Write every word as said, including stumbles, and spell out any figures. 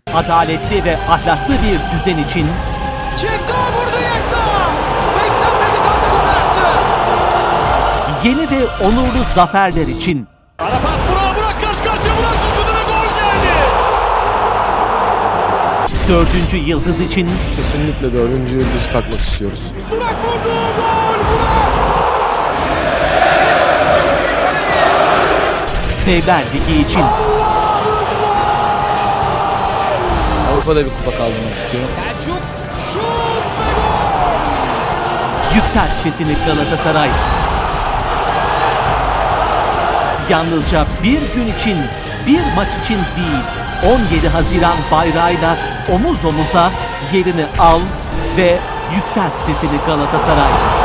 Adaletli ve ahlaklı bir düzen için Yekta vurdu Yekta! Beklenmedik anda gol attı! yeni ve onurlu zaferler için Ara pas Burak, Burak karşı karşıya Burak dokundu ve gol geldi. dördüncü yıldız için Kesinlikle dördüncü yıldızı takmak istiyoruz. Burak vurdu! Gol! Burak! Devler Ligi için Avrupa'da bir kupa kaldırmak istiyorum. Selçuk şut ve gol! yükselt sesini Galatasaray. Yalnızca bir gün için, bir maç için değil, on yedi Haziran bayrağıyla omuz omuza yerini al ve yükselt sesini Galatasaray.